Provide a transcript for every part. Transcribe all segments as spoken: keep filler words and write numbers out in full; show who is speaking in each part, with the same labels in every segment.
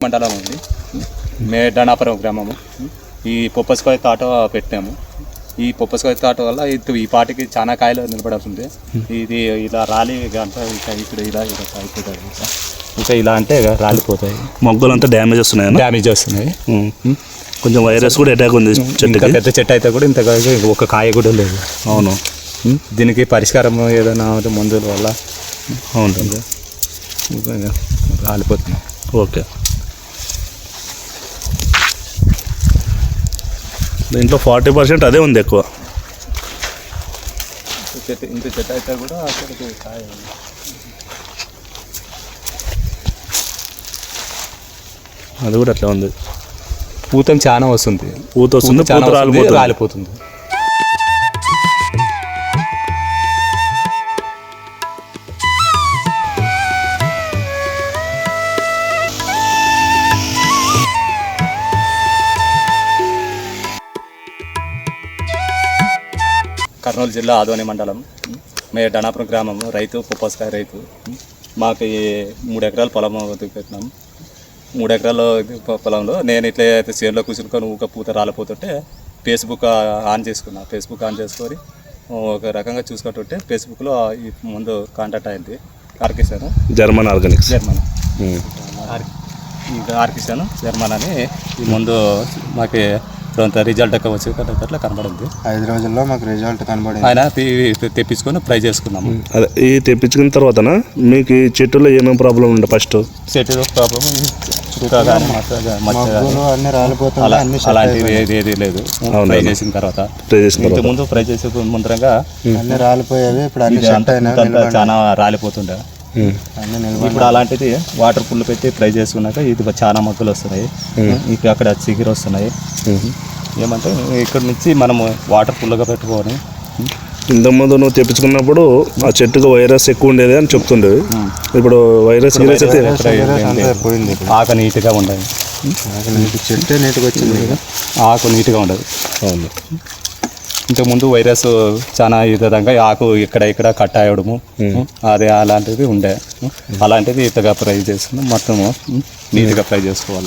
Speaker 1: మండలం ఉంది, మేడానాపురం గ్రామము. ఈ పొప్పస్కాయ తోట పెట్టాము. ఈ పొప్పస్కాయ తోట వల్ల ఇది ఈ పాటికి చాలా కాయలు నిలబడుతుంది. ఇది ఇలా రాలి అంతా ఇంకా ఇక్కడ ఇలా ఇలా అయిపోతాయి, ఇంకా ఇలా అంటే రాలిపోతాయి.
Speaker 2: మొగ్గలు అంతా డ్యామేజ్ వస్తున్నాయి
Speaker 1: డ్యామేజ్ వస్తున్నాయి.
Speaker 2: కొంచెం వైరస్ కూడా అటాక్ ఉంది చెట్టు.
Speaker 1: పెద్ద చెట్టు అయితే కూడా ఇంత ఒక కాయ కూడా లేదు.
Speaker 2: అవును,
Speaker 1: దీనికి పరిష్కారం ఏదైనా మందుల వల్ల
Speaker 2: అవును
Speaker 1: రాలిపోతుంది.
Speaker 2: ఓకే, దీంట్లో ఫార్టీ పర్సెంట్ అదే ఉంది ఎక్కువ.
Speaker 1: చెట్టు ఇంత చెట్టు అయితే కూడా అక్కడికి కాయ
Speaker 2: అది కూడా అట్లా ఉంది.
Speaker 1: పూతం చాలా వస్తుంది,
Speaker 2: పూత వస్తుంది, పూత రాలిపోతుంది
Speaker 1: రాలిపోతుంది కర్నూలు జిల్లా ఆదోని మండలం మేడానాపురం గ్రామం. రైతు పొప్పస్కాయ రైతు. మాకు ఈ మూడు ఎకరాల పొలం పెట్టినాం. మూడు ఎకరాల పొలంలో నేను ఇట్లా అయితే చేనులో కూర్చుని ఊక పూత రాలిపోతుంటే ఫేస్బుక్ ఆన్ చేసుకున్నా. ఫేస్బుక్ ఆన్ చేసుకొని ఒక రకంగా చూసుకుంటుంటే ఫేస్బుక్లో ఈ ముందు కాంటాక్ట్ అయింది ఆర్కిసాను
Speaker 2: జర్మన్ ఆర్గానిక్స్
Speaker 1: జర్మన్ ఆర్కిసాను జర్మన్ అని ఈ ముందు మాకు కొంత రిజల్ట్ ఎక్కువ వచ్చి అట్లా కనబడింది.
Speaker 3: ఐదు రోజుల్లో మాకు రిజల్ట్ కనబడింది.
Speaker 1: ఆయన తెప్పించుకొని ట్రై చేసుకున్నాము.
Speaker 2: అదే ఈ తెప్పించుకున్న తర్వాత మీకు ఈ చెట్టులో ఏమేమి ప్రాబ్లం ఉండే? ఫస్ట్
Speaker 1: చెట్టులో ప్రాబ్లం
Speaker 3: అన్ని రాలిపోతాయి,
Speaker 1: అలాంటివి ఏది ఏది లేదు. ఫ్రై చేసిన తర్వాత ఇంత ముందు ఫ్రై చేసే ముందరంగా
Speaker 3: అన్ని రాలిపోయేవి. ఇప్పుడు అన్ని
Speaker 1: చాలా రాలిపోతుండే. ఇప్పుడు అలాంటిది వాటర్ పుల్లు పెట్టి ఫ్రై చేసుకున్నాక ఇది చాలా మొక్కలు వస్తున్నాయి. ఇప్పుడు అక్కడ చిగురు వస్తున్నాయి. ఏమంటే ఇక్కడ నుంచి మనము వాటర్ పుల్లుగా పెట్టుకొని
Speaker 2: ఇంతకుముందు నువ్వు తెప్పించుకున్నప్పుడు ఆ చెట్టుకు వైరస్ ఎక్కువ ఉండేది అని చెప్తుండేది. ఇప్పుడు వైరస్
Speaker 3: పోయింది.
Speaker 1: ఆకు నీట్గా ఉండదు,
Speaker 3: చెట్టు నీట్గా వచ్చింది,
Speaker 1: ఆకు నీట్గా ఉండదు.
Speaker 2: అవును,
Speaker 1: ఇంతకుముందు వైరస్ చాలా ఈ విధంగా ఆకు ఇక్కడ ఇక్కడ కట్ అయ్యడము అదే అలాంటిది ఉండే. అలాంటిది ఇంతగా ఫ్రై చేసుకుని మొత్తము నీట్గా ఫ్రై చేసుకోవాలి.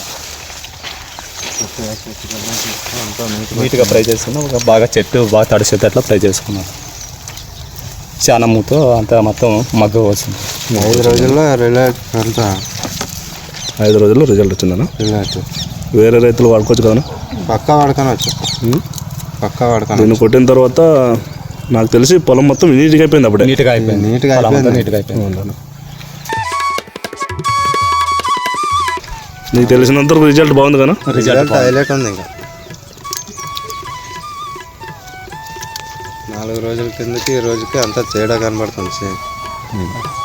Speaker 1: నీట్గా ఫ్రై చేసుకున్నాం. ఒక బాగా చెట్టు బాగా తడిసేటట్లా ఫ్రై చేసుకున్నాం. చాలా మూతో అంతా మొత్తం మగ్గ వచ్చింది.
Speaker 3: ఐదు రోజుల్లో రిజల్ట్ అంతా
Speaker 2: ఐదు రోజుల్లో రిజల్ట్ వచ్చిందన్నా.
Speaker 3: రిజల్ట్
Speaker 2: వేరే రైతులు వాడుకోవచ్చు కదా?
Speaker 3: పక్కా వాడుకోవచ్చు, పక్కా వాడుకోవచ్చు.
Speaker 2: దీన్ని కొట్టిన తర్వాత నాకు తెలిసి పొలం మొత్తం నీట్గా అయిపోయింది. అప్పుడే
Speaker 1: నీట్గా అయిపోయింది,
Speaker 3: నీట్గా అయిపోయింది,
Speaker 1: నీట్గా అయిపోయింది.
Speaker 2: నీకు తెలిసినంత రిజల్ట్ బాగుంది కదా?
Speaker 3: రిజల్ట్ హైలైట్ ఉంది. ఇంకా నాలుగు రోజుల కిందకి ఈ రోజుకి అంతా తేడా కనబడుతుంది.